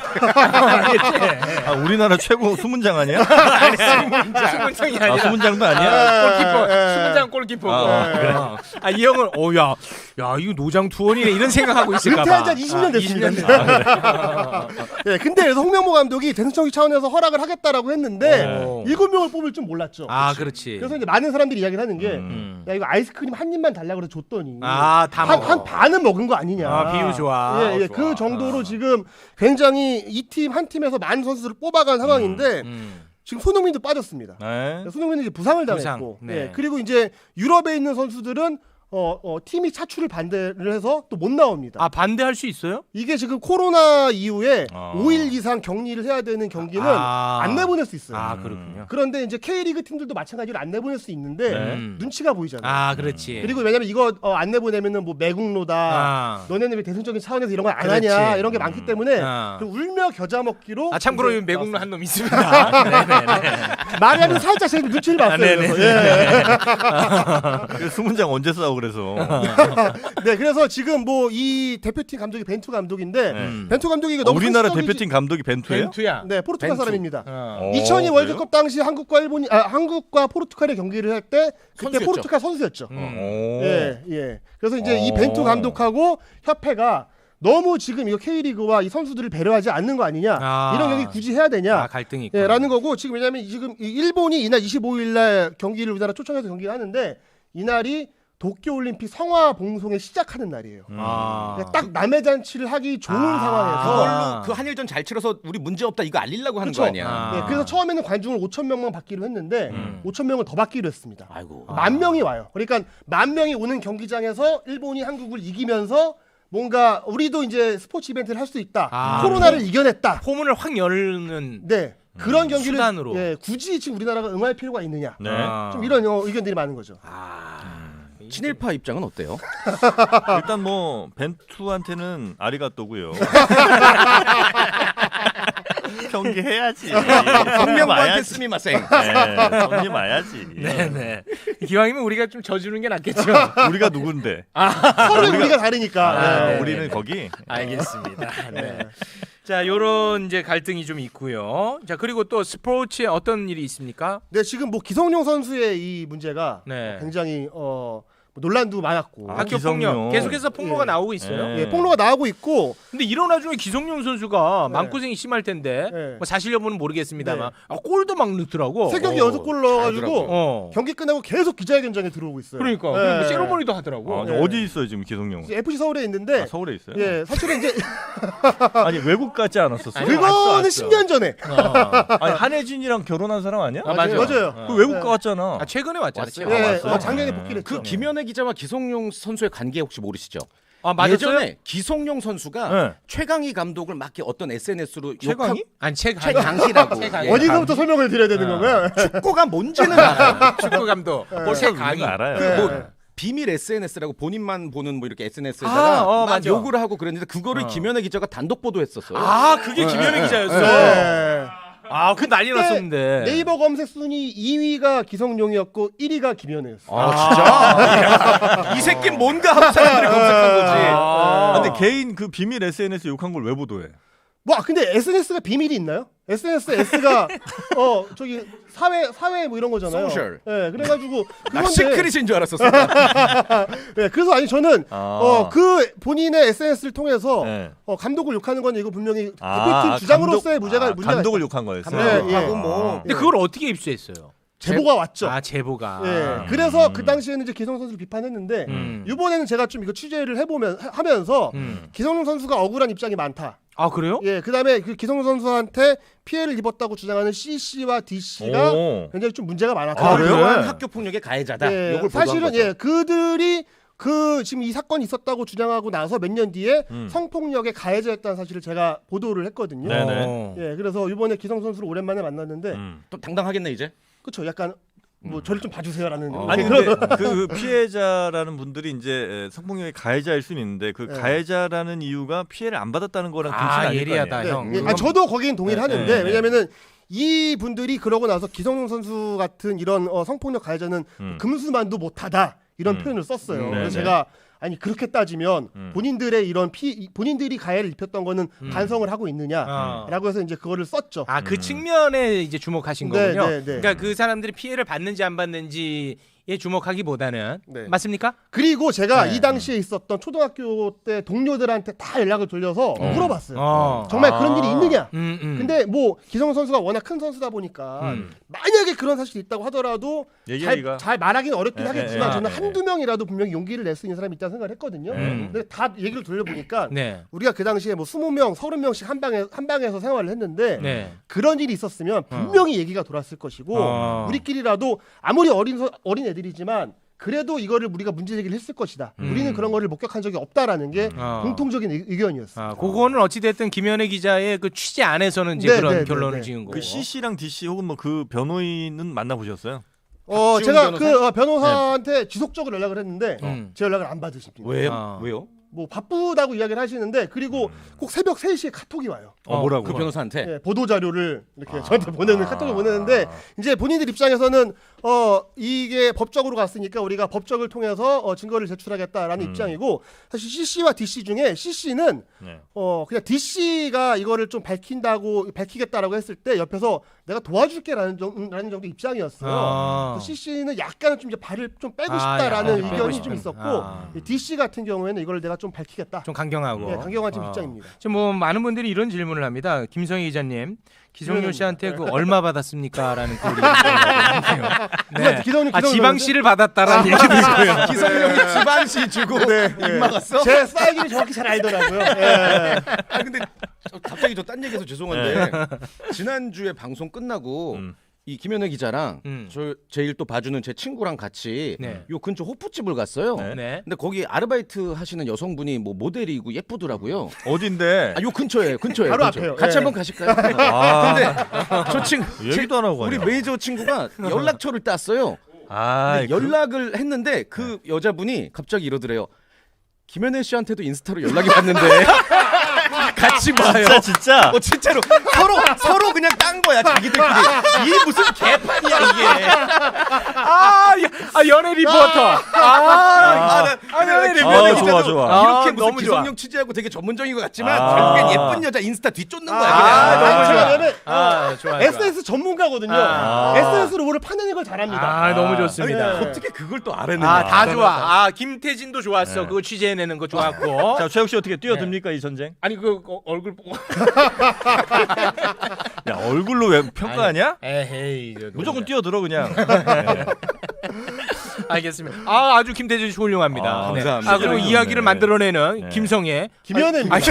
Speaker 2: 아 우리나라 최고 수문장 아니야?
Speaker 1: 수문장이
Speaker 2: 아
Speaker 1: 아니라
Speaker 2: 수문장도 아니야?
Speaker 1: 아, 골키퍼.
Speaker 4: 예, 예.
Speaker 1: 수문장 골키퍼고.
Speaker 2: 아,
Speaker 1: 그래. 아, 이 형은 어, 야, 야, 이거 노장 투원이네 이런 생각하고 있을까 봐.
Speaker 4: 은퇴한 지 한 이십 년 됐습니다.
Speaker 1: 이십 년
Speaker 4: 네, 근데 그래서 홍명보 감독이 대승적인 차원에서 허락을 하겠다라고 했는데
Speaker 1: 어.
Speaker 4: 일곱 명을 뽑을 줄 몰랐죠.
Speaker 1: 아, 그렇지.
Speaker 4: 그래서 이제 많은 사람들이 이야기를 하는 게 야
Speaker 2: 음.
Speaker 1: 음.
Speaker 4: 이거 아이스크림 한 입만 달라 그래서 줬더니
Speaker 1: 아, 다
Speaker 4: 한,
Speaker 1: 먹어.
Speaker 4: 한 반은 먹은 거 아니냐.
Speaker 1: 아, 비유 좋아.
Speaker 4: 예, 예,
Speaker 1: 좋아.
Speaker 4: 그 정도로 지금 굉장히 이 팀 한 팀에서 많은 선수들을 뽑아간 상황인데
Speaker 1: 음.
Speaker 4: 지금 손흥민도 빠졌습니다.
Speaker 2: 네.
Speaker 4: 손흥민은 이제 부상을
Speaker 1: 부상,
Speaker 4: 당했고,
Speaker 1: 네.
Speaker 4: 예, 그리고 이제 유럽에 있는 선수들은 어, 어, 팀이 차출을 반대를 해서 또 못 나옵니다.
Speaker 1: 아, 반대할 수 있어요?
Speaker 4: 이게 지금 코로나 이후에
Speaker 2: 아.
Speaker 4: 오 일 이상 격리를 해야 되는 경기는
Speaker 1: 아.
Speaker 4: 안 내보낼 수 있어요.
Speaker 1: 아, 그렇군요.
Speaker 4: 그런데 이제 K리그 팀들도 마찬가지로 안 내보낼 수 있는데
Speaker 2: 네.
Speaker 1: 음.
Speaker 4: 눈치가 보이잖아요.
Speaker 1: 아, 그렇지.
Speaker 4: 그리고 왜냐면 이거 어, 안 내보내면은 뭐 매국노다.
Speaker 1: 아.
Speaker 4: 너네는 왜 대승적인 차원에서 이런 걸 안
Speaker 1: 그렇지.
Speaker 4: 하냐 이런 게 많기 때문에
Speaker 1: 아.
Speaker 4: 그 울며 겨자 먹기로
Speaker 1: 아, 참고로
Speaker 4: 이제
Speaker 1: 매국노
Speaker 4: 나왔습니다.
Speaker 1: 한 놈 있습니다. 네네네.
Speaker 4: 마리아는 살짝 제 눈치를 봤어요.
Speaker 1: 네네네.
Speaker 4: 그래서. 예.
Speaker 2: 그 수문장 언제 싸워 그래서?
Speaker 4: 네, 그래서 지금 뭐 이 대표팀 감독이 벤투 감독인데
Speaker 2: 네.
Speaker 4: 벤투 감독이 이게
Speaker 2: 어,
Speaker 4: 너무
Speaker 2: 우리나라
Speaker 4: 상식적이지-
Speaker 2: 대표팀 감독이 벤투예요?
Speaker 1: 벤투야.
Speaker 4: 네, 포르투갈
Speaker 3: 벤투.
Speaker 4: 사람입니다.
Speaker 1: 어.
Speaker 4: 이천이
Speaker 2: 어,
Speaker 4: 월드컵 당시 한국과 일본이 아, 한국과 포르투갈의 경기를 할 때 그때
Speaker 3: 선수였죠.
Speaker 4: 포르투갈 선수였죠.
Speaker 1: 음.
Speaker 2: 오.
Speaker 4: 예, 예. 그래서 이제 이
Speaker 2: 어.
Speaker 4: 벤투 감독하고 협회가 너무 지금 이거 K리그와 이 선수들을 배려하지 않는 거 아니냐?
Speaker 1: 아.
Speaker 4: 이런 경기 굳이 해야 되냐?
Speaker 1: 아, 갈등이 있고.
Speaker 4: 예, 라는 거고 지금 왜냐면 지금 이 일본이 이날 이십오일 날 경기를 우리나라 초청해서 경기를 하는데 이날이 도쿄올림픽 성화 봉송에 시작하는 날이에요.
Speaker 2: 음.
Speaker 1: 아.
Speaker 4: 그러니까 딱 남의 잔치를 하기 좋은
Speaker 1: 아.
Speaker 4: 상황에서
Speaker 3: 그걸로 그 한일전 잘 치러서 우리 문제 없다 이거 알리려고 하는
Speaker 4: 그쵸.
Speaker 3: 거 아니야?
Speaker 1: 아.
Speaker 4: 예, 그래서 처음에는 관중을 오천 명만 받기로 했는데
Speaker 1: 음.
Speaker 4: 오천 명을 더 받기로 했습니다.
Speaker 3: 아이고.
Speaker 4: 만 명이 와요. 그러니까 만 명이 오는 경기장에서 일본이 한국을 이기면서 뭔가 우리도 이제 스포츠 이벤트를 할 수 있다.
Speaker 1: 아.
Speaker 4: 코로나를 이겨냈다.
Speaker 1: 포문을 확 열는
Speaker 4: 네. 그런 경기를
Speaker 1: 수단으로.
Speaker 4: 예, 굳이 지금 우리나라가 응할 필요가 있느냐.
Speaker 2: 네.
Speaker 1: 아.
Speaker 4: 좀 이런 어, 의견들이 많은 거죠.
Speaker 3: 친일파 입장은 어때요?
Speaker 2: 일단 뭐 벤투한테는 아리가또고요. 경기 해야지.
Speaker 3: 성명부한테
Speaker 2: 마야지.
Speaker 3: 스미마생.
Speaker 2: 네, 경기 마야지.
Speaker 1: 네네. 기왕이면 우리가 좀 져주는 게 낫겠죠.
Speaker 2: 우리가 누군데?
Speaker 4: 서로 우리가 다르니까.
Speaker 1: 아,
Speaker 4: 예.
Speaker 1: 네.
Speaker 2: 우리는 거기.
Speaker 1: 알겠습니다. 네. 자, 요런 이제 갈등이 좀 있고요. 자, 그리고 또 스포츠에 어떤 일이 있습니까?
Speaker 4: 네, 지금 뭐 기성용 선수의 이 문제가
Speaker 1: 네.
Speaker 4: 굉장히 어, 뭐 논란도 많았고.
Speaker 2: 아,
Speaker 1: 학교
Speaker 2: 기성용.
Speaker 1: 폭력 계속해서 폭로가
Speaker 4: 예.
Speaker 1: 나오고 있어요.
Speaker 2: 예.
Speaker 4: 예, 폭로가 나오고 있고
Speaker 1: 근데 이런 와중에 기성용 선수가
Speaker 4: 네.
Speaker 1: 마음고생이 심할 텐데
Speaker 4: 네.
Speaker 1: 뭐 사실 여부는 모르겠습니다만
Speaker 4: 네.
Speaker 1: 아, 골도 막 넣더라고.
Speaker 4: 세 경기
Speaker 3: 어,
Speaker 4: 연속 골 넣어가지고
Speaker 3: 잘하더라고요.
Speaker 1: 어.
Speaker 4: 경기 끝나고 계속 기자회견장에 들어오고 있어요.
Speaker 1: 그러니까
Speaker 4: 예.
Speaker 1: 그리고 뭐 세로머니도 하더라고.
Speaker 2: 아,
Speaker 4: 네.
Speaker 2: 어디 있어요 지금 기성용?
Speaker 4: 에프씨 서울에 있는데
Speaker 2: 아, 서울에 있어요.
Speaker 4: 예, 사실은 이제
Speaker 2: 아니 외국 가지 않았었어?
Speaker 1: 아니,
Speaker 4: 그거는
Speaker 1: 왔어, 왔어.
Speaker 4: 십 년 전에
Speaker 1: 어.
Speaker 2: 아니 한혜진이랑 결혼한 사람 아니야?
Speaker 1: 아, 맞아요.
Speaker 4: 맞아요.
Speaker 1: 어.
Speaker 2: 그 외국
Speaker 4: 네.
Speaker 2: 갔잖아.
Speaker 1: 아, 최근에 왔잖아.
Speaker 3: 왔어요?
Speaker 1: 최근에.
Speaker 4: 예,
Speaker 2: 왔어요?
Speaker 4: 어, 작년에
Speaker 2: 네.
Speaker 4: 복귀를 했죠.
Speaker 3: 그 김현애 기자와 기성용 선수의 관계 혹시 모르시죠?
Speaker 1: 아, 맞았어요?
Speaker 3: 예전에 기성용 선수가
Speaker 2: 네.
Speaker 3: 최강희 감독을 막 이렇게 어떤 에스엔에스로
Speaker 2: 최강희?
Speaker 1: 아니 최강
Speaker 3: 최강희라고
Speaker 1: 최강희.
Speaker 3: 예.
Speaker 4: 어디서부터 설명을 드려야 되는 건가요?
Speaker 3: 축구가 뭔지는 알아요.
Speaker 1: 축구 감독.
Speaker 2: 뭘
Speaker 1: 최강희.
Speaker 2: 알아요.
Speaker 3: 그 뭐
Speaker 4: 네.
Speaker 3: 비밀 에스엔에스라고 본인만 보는 뭐 이렇게
Speaker 1: 아,
Speaker 3: 에스엔에스에다가
Speaker 1: 어,
Speaker 3: 막
Speaker 1: 맞아.
Speaker 3: 욕을 하고 그랬는데 그거를 김현애 기자가 단독 보도했었어요.
Speaker 1: 아 그게 김현애
Speaker 3: 네,
Speaker 1: 기자였어.
Speaker 4: 네.
Speaker 1: 아 그 난리 났었는데.
Speaker 4: 네이버 검색 순위 이 위가 기성용이었고 일 위가 김현우였어.
Speaker 3: 아 진짜? 이 새끼 뭔가 하고 사람들이 검색한 거지.
Speaker 2: 아, 근데 개인 그 비밀 에스엔에스 욕한 걸 왜 보도해?
Speaker 4: 뭐 아, 근데 에스엔에스가 비밀이 있나요? 에스엔에스 S가 어 저기 사회 사회 뭐 이런 거잖아요.
Speaker 3: 소셜.
Speaker 4: 예, 그래가지고
Speaker 3: 나
Speaker 4: 그건데
Speaker 3: 시크릿인 줄 알았었어.
Speaker 4: 예, 그래서 아니 저는
Speaker 2: 아.
Speaker 4: 어 그 본인의 에스엔에스를 통해서
Speaker 2: 네.
Speaker 4: 어, 감독을 욕하는 건 이거 분명히
Speaker 2: 아,
Speaker 4: 대표팀
Speaker 2: 아,
Speaker 4: 주장으로서의
Speaker 2: 감독-
Speaker 4: 문제가
Speaker 2: 아,
Speaker 4: 문제가
Speaker 2: 감독을
Speaker 4: 있다.
Speaker 2: 욕한 거였어요.
Speaker 4: 네, 예.
Speaker 3: 감독하고 뭐
Speaker 1: 근데 그걸 어떻게 입수했어요?
Speaker 4: 제보가 왔죠.
Speaker 1: 아 제보가.
Speaker 4: 예, 그래서 그 당시에는 이제 기성 선수를 비판했는데
Speaker 1: 음.
Speaker 4: 이번에는 제가 좀 이거 취재를 해보면 하- 하면서
Speaker 1: 음.
Speaker 4: 기성용 선수가 억울한 입장이 많다.
Speaker 1: 아 그래요?
Speaker 4: 예, 그다음에 그 기성용 선수한테 피해를 입었다고 주장하는 씨씨와 디씨가
Speaker 2: 오.
Speaker 4: 굉장히 좀 문제가 많았다.
Speaker 2: 아, 그래요?
Speaker 3: 그러한 학교 폭력의 가해자다.
Speaker 4: 예,
Speaker 3: 요걸
Speaker 4: 사실은
Speaker 3: 보도한 거죠.
Speaker 4: 예, 그들이 그 지금 이 사건이 있었다고 주장하고 나서 몇 년 뒤에
Speaker 2: 음.
Speaker 4: 성폭력의 가해자였다는 사실을 제가 보도를 했거든요.
Speaker 2: 네네.
Speaker 1: 어.
Speaker 4: 예, 그래서 이번에 기성 선수를 오랜만에 만났는데
Speaker 2: 음.
Speaker 3: 또 당당하겠네 이제.
Speaker 4: 그쵸, 약간 뭐 저를 좀 봐주세요라는.
Speaker 3: 어.
Speaker 2: 아니
Speaker 4: 그런-
Speaker 2: 근데 그 피해자라는 분들이 이제 성폭력의 가해자일 수는 있는데 그
Speaker 4: 네.
Speaker 2: 가해자라는 이유가 피해를 안 받았다는 거랑 동시는
Speaker 1: 아
Speaker 2: 아닐 거
Speaker 1: 예리하다
Speaker 2: 아니에요.
Speaker 1: 형.
Speaker 4: 예, 아,
Speaker 1: 그건-
Speaker 4: 저도 거긴 동의를
Speaker 2: 네,
Speaker 4: 하는데
Speaker 2: 네, 네.
Speaker 4: 왜냐면은 이 분들이 그러고 나서 기성용 선수 같은 이런 어, 성폭력 가해자는
Speaker 2: 음.
Speaker 4: 금수만도 못하다 이런
Speaker 2: 음.
Speaker 4: 표현을 썼어요.
Speaker 2: 음,
Speaker 4: 그래서
Speaker 2: 네,
Speaker 4: 제가 아니 그렇게 따지면
Speaker 2: 음.
Speaker 4: 본인들의 이런 피 본인들이 가해를 입혔던 거는
Speaker 1: 음.
Speaker 4: 반성을 하고 있느냐라고
Speaker 1: 어.
Speaker 4: 해서 이제 그거를 썼죠.
Speaker 1: 아 그
Speaker 2: 음.
Speaker 1: 측면에 이제 주목하신
Speaker 4: 네,
Speaker 1: 거군요.
Speaker 4: 네, 네.
Speaker 1: 그러니까 그 사람들이 피해를 받는지 안 받는지에 주목하기보다는
Speaker 4: 네.
Speaker 1: 맞습니까?
Speaker 4: 그리고 제가
Speaker 1: 네.
Speaker 4: 이 당시에 있었던 초등학교 때 동료들한테 다 연락을 돌려서 물어봤어요.
Speaker 1: 어.
Speaker 4: 정말
Speaker 2: 아.
Speaker 4: 그런 일이 있느냐?
Speaker 1: 음, 음.
Speaker 4: 근데 뭐 기성 선수가 워낙 큰 선수다 보니까
Speaker 1: 음.
Speaker 4: 만약에 그런 사실이 있다고 하더라도 잘,
Speaker 2: 얘기하기가
Speaker 4: 잘 말하기는 어렵긴
Speaker 2: 예,
Speaker 4: 하겠지만
Speaker 2: 예, 예.
Speaker 4: 저는
Speaker 2: 예.
Speaker 4: 한두 명이라도 분명히 용기를 낼 수 있는 사람이 있다는 생각을 했거든요.
Speaker 1: 음.
Speaker 4: 근데 다 얘기를 돌려보니까
Speaker 1: 네.
Speaker 4: 우리가 그 당시에 뭐 스무 명, 서른 명씩 한 방에 한 방에서 생활을 했는데
Speaker 1: 네.
Speaker 4: 그런 일이 있었으면 분명히 얘기가 돌았을 것이고
Speaker 1: 어.
Speaker 4: 우리끼리라도 아무리 어린 서- 어린 애들이지만 그래도 이거를 우리가 문제 제기를 했을 것이다.
Speaker 1: 음.
Speaker 4: 우리는 그런 거를 목격한 적이 없다라는 게
Speaker 1: 어.
Speaker 4: 공통적인 의- 의견이었어요.
Speaker 1: 아, 그거는 어찌 됐든 김현애 기자의 그 취재 안에서는 이제
Speaker 4: 네,
Speaker 1: 그런
Speaker 4: 네, 네,
Speaker 1: 결론을
Speaker 4: 네.
Speaker 1: 지은 거고.
Speaker 2: 그 씨씨랑 디씨 혹은 뭐 그 변호인은 만나 보셨어요?
Speaker 4: 어,
Speaker 3: 박지훈
Speaker 4: 제가
Speaker 3: 변호사?
Speaker 4: 그 어, 변호사한테 지속적으로 연락을 했는데
Speaker 1: 음.
Speaker 4: 제 연락을 안 받으십니다.
Speaker 3: 왜요?
Speaker 1: 아.
Speaker 3: 왜요?
Speaker 4: 뭐 바쁘다고 이야기를 하시는데 그리고 꼭 새벽 세 시에 카톡이 와요.
Speaker 2: 어, 뭐라고?
Speaker 3: 그 변호사한테.
Speaker 4: 예, 보도 자료를 이렇게 저한테 보내는 카톡을 보내는데 이제 본인들 입장에서는 어 이게 법적으로 갔으니까 우리가 법적을 통해서 어, 증거를 제출하겠다라는
Speaker 2: 음.
Speaker 4: 입장이고 사실 씨씨와 디씨 중에 씨씨는
Speaker 2: 네.
Speaker 4: 어 그냥 디씨가 이거를 좀 밝힌다고 밝히겠다라고 했을 때 옆에서 내가 도와줄게라는 정도라는 정도 입장이었어요.
Speaker 1: 아.
Speaker 4: 씨씨는 약간은 좀 이제 발을 좀 빼고
Speaker 1: 아,
Speaker 4: 싶다라는
Speaker 1: 약간 빼고
Speaker 4: 의견이
Speaker 1: 싶은.
Speaker 4: 좀 있었고
Speaker 1: 아.
Speaker 4: 디씨 같은 경우에는 이걸 내가 좀 밝히겠다.
Speaker 1: 좀 강경하고.
Speaker 4: 예, 강경한 좀
Speaker 1: 어.
Speaker 4: 입장입니다.
Speaker 1: 지금 뭐 많은 분들이 이런 질문을 합니다. 김성희 기자님, 기성용
Speaker 4: 그러면-
Speaker 1: 씨한테 그 얼마 받았습니까?라는 글이 있는데요. 네.
Speaker 4: 기성용,
Speaker 1: 아,
Speaker 4: 기성용
Speaker 1: 지방시를 받았다라는 얘기도 있고요.
Speaker 3: 기성용이 지방시 주고 입 막았어?
Speaker 4: 제 사이즈를 정확히 잘 알더라고요. 예.
Speaker 3: 아 근데 저- 갑자기 저 딴 얘기해서 죄송한데 지난주에 방송 끝나고
Speaker 2: 음.
Speaker 3: 이 김현애 기자랑
Speaker 1: 음.
Speaker 3: 저 제일 또 봐주는 제 친구랑 같이
Speaker 1: 네.
Speaker 3: 요 근처 호프집을 갔어요.
Speaker 2: 네.
Speaker 1: 네.
Speaker 3: 근데 거기 아르바이트 하시는 여성분이 뭐 모델이고 예쁘더라고요.
Speaker 2: 어딘데?
Speaker 3: 아, 요 근처에 근처에
Speaker 4: 바로
Speaker 3: 근처.
Speaker 4: 앞에요.
Speaker 3: 같이
Speaker 4: 예.
Speaker 3: 한번 가실까요?
Speaker 2: 아,
Speaker 3: 근데 저 친구
Speaker 2: 얘기도 안 하고
Speaker 3: 우리
Speaker 2: 가냐.
Speaker 3: 메이저 친구가 연락처를 땄어요.
Speaker 2: 아,
Speaker 3: 근데 연락을 했는데 그 여자분이 갑자기 이러더래요. 김현애 씨한테도 인스타로 연락이 왔는데 같이 봐요.
Speaker 2: 진짜 진짜.
Speaker 3: 어 진짜로 서로 서로 그냥 딴 거야 자기들끼리. 이게 무슨 개판이야 이게.
Speaker 1: 아, 야, 아 연예 리포터. 아,
Speaker 3: 아, 나,
Speaker 1: 아, 연예
Speaker 2: 아,
Speaker 1: 리포터.
Speaker 2: 좋아, 좋아.
Speaker 3: 이렇게
Speaker 1: 아,
Speaker 3: 무슨
Speaker 1: 너무 좋아.
Speaker 3: 기성용 취재하고 되게 전문적인 것 같지만
Speaker 2: 아.
Speaker 3: 결국엔 예쁜 여자 인스타 뒤쫓는 거야.
Speaker 1: 아,
Speaker 3: 그냥.
Speaker 1: 너무 좋아.
Speaker 4: 왜냐면
Speaker 1: 아, 좋아. 좋아.
Speaker 4: 에스엔에스 전문가거든요.
Speaker 1: 아.
Speaker 4: 에스엔에스로 뭐를 파내는 걸 잘합니다.
Speaker 1: 아, 너무 좋습니다.
Speaker 4: 네.
Speaker 3: 어떻게 그걸 또 알아내냐.
Speaker 1: 아, 다 좋아. 아, 김태진도 좋았어.
Speaker 2: 네.
Speaker 1: 그거 취재해내는 거 좋았고.
Speaker 2: 자, 최욱 씨 어떻게 뛰어듭니까 이 전쟁?
Speaker 1: 아니 그 어, 얼굴 보고.
Speaker 2: 야, 얼굴로 왜 평가하냐?
Speaker 1: 에헤이. 저
Speaker 2: 무조건
Speaker 1: 노래.
Speaker 2: 뛰어들어 그냥. 네.
Speaker 1: 알겠습니다. 아 아주 김태준 씨 훌륭합니다.
Speaker 2: 아,
Speaker 1: 네.
Speaker 3: 감사합니다.
Speaker 1: 아 그리고
Speaker 2: 네.
Speaker 1: 이야기를 만들어내는
Speaker 2: 네.
Speaker 1: 김성애.
Speaker 4: 김현애.
Speaker 1: 아,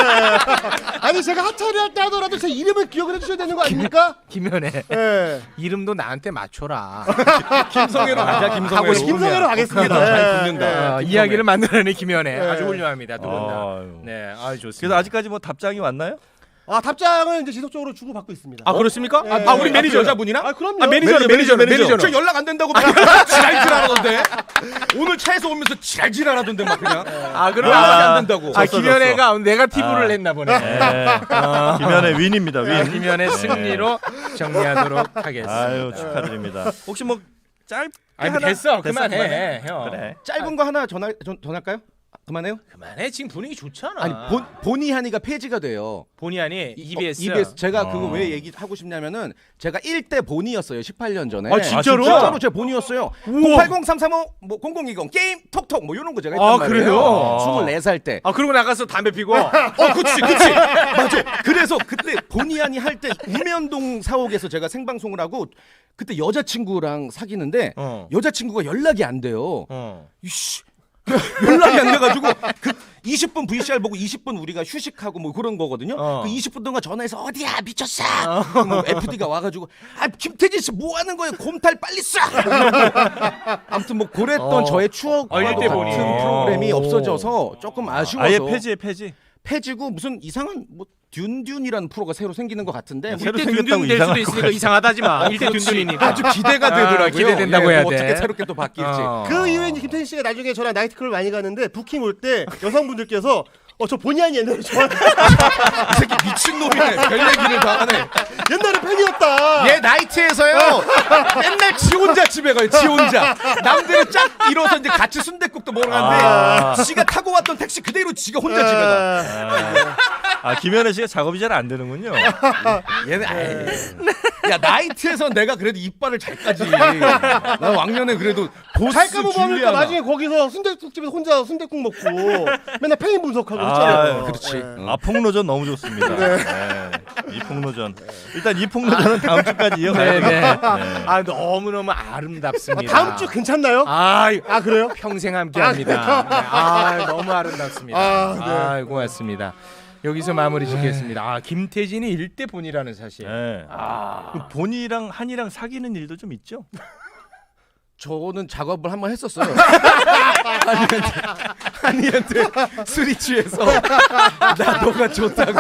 Speaker 4: 아니 제가 하차를 할 때 하더라도 제 이름을 기억을 해주셔야 되는 거 아닙니까?
Speaker 1: 김현애.
Speaker 4: 예.
Speaker 1: 이름도 나한테 맞춰라.
Speaker 3: 김성애로 가자. 김성애로.
Speaker 1: 하고 싶으면.
Speaker 4: 김성애로 가겠습니다.
Speaker 3: 잘
Speaker 4: 예,
Speaker 3: 붙는다.
Speaker 4: 예.
Speaker 1: 어, 이야기를 만들어내는 김현애.
Speaker 4: 네.
Speaker 1: 아주 훌륭합니다. 두 분 다.
Speaker 2: 아유.
Speaker 1: 네, 아주 좋습니다.
Speaker 2: 그래서 아직까지 뭐 답장이 왔나요?
Speaker 4: 아 답장을 이제 지속적으로 주고 받고 있습니다.
Speaker 1: 아 그렇습니까?
Speaker 4: 예.
Speaker 1: 아, 아 우리
Speaker 3: 아,
Speaker 1: 매니저
Speaker 3: 그 여자분이랑?
Speaker 4: 아 그럼요.
Speaker 1: 아 매니저는 매니저 매니저.
Speaker 3: 저 연락 안 된다고 막 지랄지랄하던데. 오늘 차에서 오면서 지랄지랄하던데 막 그냥.
Speaker 1: 아 그럼
Speaker 3: 연락이
Speaker 1: 아,
Speaker 3: 안 된다고.
Speaker 1: 아
Speaker 2: 졌어,
Speaker 1: 김현애가 네거티브를
Speaker 2: 아.
Speaker 1: 했나 보네.
Speaker 2: 네. 김현의 윈입니다. 윈.
Speaker 1: 아, 김현애 승리로 정리하도록 하겠습니다.
Speaker 2: 아유 축하드립니다. 혹시 뭐 짧게
Speaker 1: 아니
Speaker 2: 하나?
Speaker 1: 됐어
Speaker 2: 됐어,
Speaker 1: 그만해
Speaker 2: 그만해.
Speaker 1: 형.
Speaker 2: 그래.
Speaker 3: 짧은 거 하나 전화 전, 전할까요? 아, 그만해요?
Speaker 1: 그만해 지금 분위기 좋잖아.
Speaker 3: 아니 본 본의 한이가 폐지가 돼요.
Speaker 1: 본의 아니 이비에스.
Speaker 3: 어, 이비에스 제가
Speaker 2: 어.
Speaker 3: 그거 왜 얘기하고 싶냐면은 제가 일 대 본이었어요. 십팔 년 전에.
Speaker 1: 아, 진짜로?
Speaker 3: 진짜로 제 본이었어요. 공팔공 삼삼오 뭐 공공이공 게임 톡톡 뭐 이런 거 제가 했단
Speaker 1: 아,
Speaker 3: 말이에요.
Speaker 1: 그래요?
Speaker 3: 스물네 살 때.
Speaker 1: 아 그러고 나가서 담배 피고.
Speaker 3: 어, 그치, 그치. 맞아. 그래서 그때 본의 아니 할 때 우면동 사옥에서 제가 생방송을 하고 그때 여자친구랑 사귀는데
Speaker 1: 어.
Speaker 3: 여자친구가 연락이 안 돼요.
Speaker 1: 어.
Speaker 3: 이씨. 연락이 안 돼가지고 그 이십 분 브이씨알 보고 이십 분 우리가 휴식하고 뭐 그런 거거든요.
Speaker 1: 어.
Speaker 3: 그 이십 분 동안 전화해서 어디야 미쳤어. 뭐 에프디가 와가지고 아 김태진 씨 뭐 하는 거예요? 곰탈 빨리 쏴. 아무튼 뭐 그랬던
Speaker 1: 어.
Speaker 3: 저의 추억과
Speaker 1: 어, 일 대
Speaker 3: 같은
Speaker 1: 본이.
Speaker 3: 프로그램이
Speaker 1: 오.
Speaker 3: 없어져서 조금 아쉬워서
Speaker 2: 아예 폐지에 폐지.
Speaker 3: 폐지고 무슨 이상한 뭐 듄듄이라는 프로가 새로 생기는 것 같은데 뭐
Speaker 2: 새로
Speaker 1: 일대
Speaker 2: 생겼다고
Speaker 1: 둔둔 될 수도
Speaker 2: 이상할
Speaker 1: 있으니까 이상하다지 마. 일대
Speaker 3: 그렇지.
Speaker 1: 둔둔이니까.
Speaker 3: 아주 기대가
Speaker 1: 아,
Speaker 3: 되더라고요.
Speaker 1: 기대된다고
Speaker 3: 예,
Speaker 1: 해야
Speaker 3: 뭐
Speaker 1: 돼.
Speaker 3: 어떻게 새롭게 또 바뀔지.
Speaker 1: 어.
Speaker 4: 그 이후에 이제 김태진 씨가 나중에 저랑 나이트클럽 많이 가는데 부킹 올 때 여성분들께서 어 저 본의 아니 옛날에 좋아
Speaker 3: 이 새끼 미친 놈이네. 별 얘기를 다 하네.
Speaker 4: 옛날에 팬이었다.
Speaker 3: 얘 나이트에서요. 맨날 지 혼자 집에 가요. 지 혼자. 남들은 쫙 일어서 이제 같이 순댓국도 먹으러 가는데
Speaker 2: 아.
Speaker 3: 지가 타고 왔던 택시 그대로 지가 혼자 집에 가.
Speaker 2: 아, 아 김현애 씨가 작업이 잘 안 되는군요.
Speaker 3: 얘는 아이. 야 나이트에서 내가 그래도 이빨을 잘 까지. 나 왕년에 그래도 보스
Speaker 4: 잘까 뭐 하니까
Speaker 3: 줄리아나.
Speaker 4: 나중에 거기서 순대국집에서 혼자 순대국 먹고 맨날 팬인 분석하고
Speaker 2: 아,
Speaker 4: 했잖아요.
Speaker 3: 그렇지.
Speaker 4: 예.
Speaker 2: 아 폭로전 너무 좋습니다. 네. 이 폭로전. 일단 이 폭로전은 다음 주까지 이어가야
Speaker 1: 네네.
Speaker 2: 돼요. 네.
Speaker 1: 아 너무 너무
Speaker 4: 아,
Speaker 1: 아름답습니다.
Speaker 4: 다음 주 괜찮나요?
Speaker 1: 아,
Speaker 4: 아 그래요?
Speaker 1: 평생 함께합니다. 네. 아 너무 아름답습니다.
Speaker 4: 아, 네.
Speaker 1: 아 고맙습니다. 여기서 마무리 짓겠습니다. 아 김태진이 일대 본이라는 사실.
Speaker 2: 네.
Speaker 1: 아
Speaker 2: 그 본이랑 한이랑 사귀는 일도 좀 있죠?
Speaker 3: 저는 작업을 한번 했었어요. 한이한테, 한이한테 술이 취해서 나 너가 좋다고.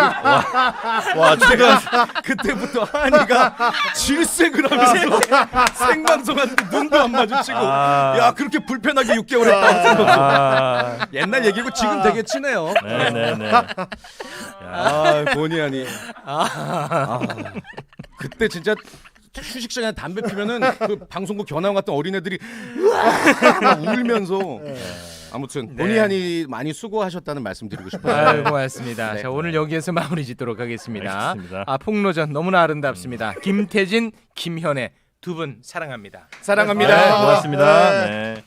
Speaker 2: 와 제가
Speaker 3: 그때부터 한이가 질색을 하면서 생방송하는데 눈도 안 마주치고
Speaker 2: 아.
Speaker 3: 야 그렇게 불편하게 육 개월 했다고.
Speaker 2: 아,
Speaker 3: 옛날 얘기고 지금 되게 친해요.
Speaker 2: 네네네.
Speaker 3: 아 본의 아니. 아, 그때 진짜 휴식 시간에 담배 피면은 그 방송국 견학 갔던 어린애들이 막 울면서 아무튼 본의 아니 많이 수고하셨다는 말씀 드리고 싶어요.
Speaker 1: 아유 고맙습니다.
Speaker 3: 네.
Speaker 1: 자 오늘 여기에서 마무리 짓도록 하겠습니다.
Speaker 2: 알겠습니다.
Speaker 1: 아 폭로전 너무나 아름답습니다. 김태진, 김현애 두 분 사랑합니다.
Speaker 3: 사랑합니다.
Speaker 2: 네, 고맙습니다. 네.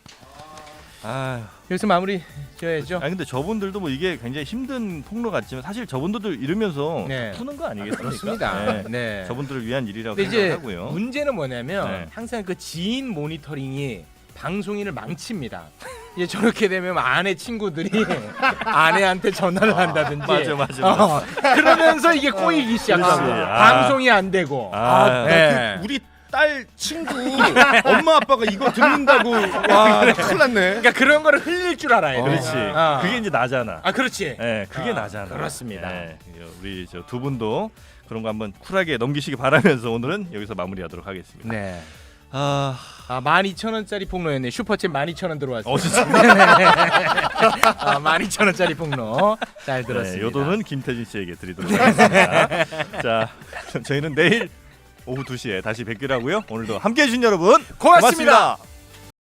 Speaker 2: 아,
Speaker 1: 여기서 마무리 지어야죠.
Speaker 2: 아니 근데 저분들도 뭐 이게 굉장히 힘든 폭로 같지만 사실 저분들도 이러면서
Speaker 1: 네.
Speaker 2: 푸는 거 아니겠습니까?
Speaker 1: 그렇습니다.
Speaker 2: 네.
Speaker 1: 네.
Speaker 2: 저분들을 위한 일이라고
Speaker 1: 근데 이제
Speaker 2: 생각하고요.
Speaker 1: 문제는 뭐냐면
Speaker 2: 네.
Speaker 1: 항상 그 지인 모니터링이 방송인을 망칩니다. 이제 저렇게 되면 아내 친구들이 아내한테 전화를 한다든지
Speaker 2: 맞아, 맞아,
Speaker 1: 어, 그러면서 이게 꼬이기 시작하고
Speaker 2: 그렇지. 아.
Speaker 1: 방송이 안 되고
Speaker 2: 아,
Speaker 1: 네.
Speaker 3: 그 우리 딸 친구 엄마 아빠가 이거 듣는다고 와 나 큰일 났네.
Speaker 1: 그러니까 그런 거를 흘릴 줄 알아야 돼.
Speaker 2: 그렇지.
Speaker 1: 아.
Speaker 2: 그게 이제 나잖아.
Speaker 1: 아 그렇지.
Speaker 2: 네, 그게
Speaker 1: 아,
Speaker 2: 나잖아.
Speaker 1: 그렇습니다.
Speaker 2: 네, 우리 저 두 분도 그런 거 한번 쿨하게 넘기시기 바라면서 오늘은 여기서 마무리하도록 하겠습니다.
Speaker 1: 네.
Speaker 2: 아,
Speaker 1: 아, 만 이천 원짜리 폭로였네. 슈퍼챗 만 이천 원 들어왔어요.
Speaker 2: 어 진짜.
Speaker 1: 아, 만 이천 원짜리 폭로 잘 들었습니다.
Speaker 2: 네, 요 돈은 김태진 씨에게 드리도록 하겠습니다. 자, 저희는 내일 오후 두 시에 다시 뵙기로 하고요. 오늘도 함께해 주신 여러분
Speaker 1: 고맙습니다.
Speaker 2: 고맙습니다.